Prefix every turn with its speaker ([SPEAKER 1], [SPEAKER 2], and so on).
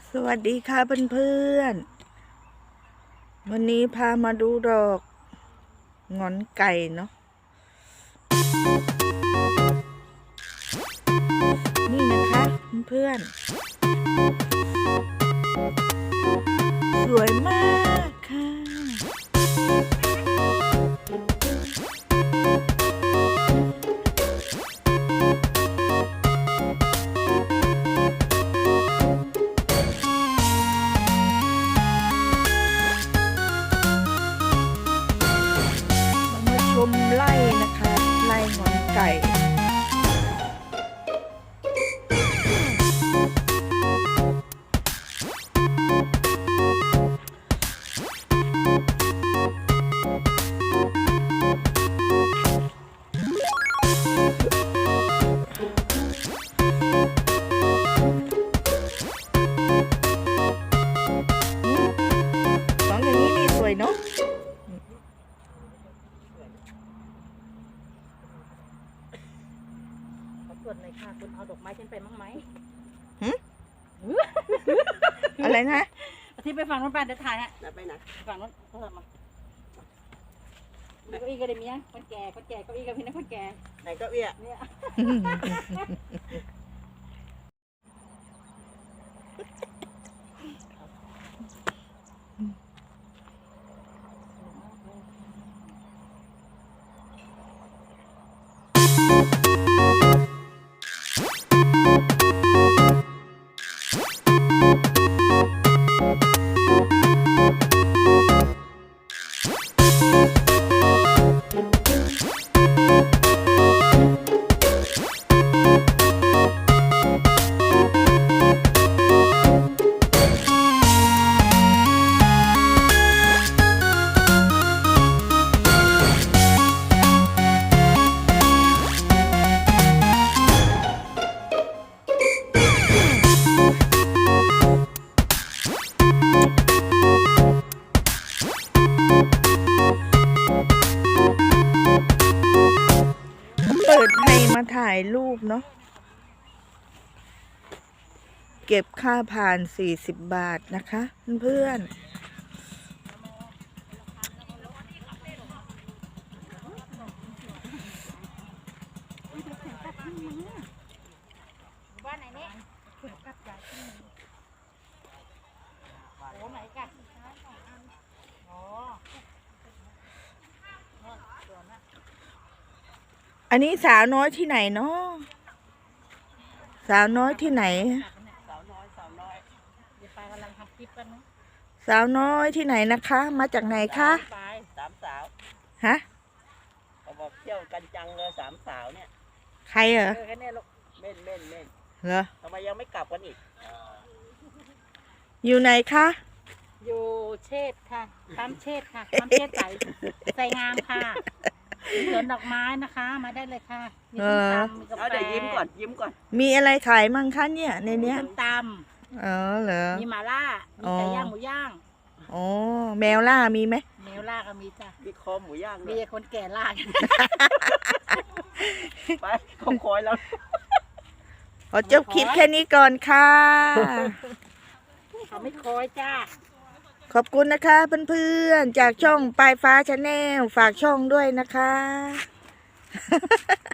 [SPEAKER 1] สวัสดีค่ะเพื่อนๆวันนี้พามาดูดอกหงอนไก่เนาะนี่นะคะเพื่อนๆสวยมากค่ะชมไร่นะคะไร่หงอนไก่สองอย่างนี้นี่สวยเนาะ
[SPEAKER 2] ส่วนเลยค่ะคุณเอาดอกไม้ฉันไปมั้งไหม
[SPEAKER 1] อะไรนะ
[SPEAKER 2] ที่ไปฝั่งนู้นไปเดี๋ยวถ่ายฮะ
[SPEAKER 3] ไปไหน
[SPEAKER 2] ฝั่งนู้นเพิ่มมาเก้าอี้ก็ได้เมียคนแก่เก้าอี้กับพี่นะคนแก่
[SPEAKER 3] ไหนก็เอี้ย
[SPEAKER 2] เนี่ย
[SPEAKER 1] เปิดให้มาถ่ายรูปเนาะเก็บค่าผ่าน40 บาทนะคะเพื่อน
[SPEAKER 2] บ้านไหนเนี่ยกับยายโอ้ไหนกันอ๋อ
[SPEAKER 1] อันนี้สาวน้อยที่ไหนเนาะสาวน้อยที่ไหน
[SPEAKER 3] สาวน้อย
[SPEAKER 2] เดี๋ยวไปกำลังทำคลิปกันนะ
[SPEAKER 1] สาวน้อยที่ไหนนะคะ มาจากไหนคะ
[SPEAKER 2] ไป
[SPEAKER 3] สามสาว
[SPEAKER 1] ฮะ
[SPEAKER 3] เขาบอกเที่ยวกันจังเลยสามสาวเนี่ย
[SPEAKER 1] ใครเหรอ
[SPEAKER 2] แค่นี้ลูก
[SPEAKER 3] เม่น
[SPEAKER 1] เหรอ
[SPEAKER 3] ทำไมยังไม่กลับกันอีก
[SPEAKER 1] อยู่ไหนคะ
[SPEAKER 2] อยู่เชษค่ะปั๊มเชษค่ะปั๊มเชษใส่งามค่ะสวนดอกไม้นะคะมาได้เลยค่ะมีส้มตำมีกาแฟ
[SPEAKER 3] เอาเดี๋ยวยิ้มก่อน
[SPEAKER 1] มีอะไรขายมั่งคะเนี่ยในเนี้ย
[SPEAKER 2] ส้มต
[SPEAKER 1] อ๋อเหรอ
[SPEAKER 2] ำมีหม่าล่ามีไก่ย่างหมูย่าง
[SPEAKER 1] อ๋อแมวล่ามีไหม
[SPEAKER 2] แมวล่าก็มีจ้ะ
[SPEAKER 3] มีคอหมูย่างด้
[SPEAKER 2] มี
[SPEAKER 3] วย
[SPEAKER 2] คนแก่ล่า
[SPEAKER 3] ไปเขาคอยแล้ว
[SPEAKER 1] ขอจบคลิปแค่นี้ก่อนค่ะ
[SPEAKER 2] เขาไม่คอยจ้า
[SPEAKER 1] ขอบคุณนะคะเพื่อนๆจากช่องปลายฟ้าชาแนลฝากช่องด้วยนะคะ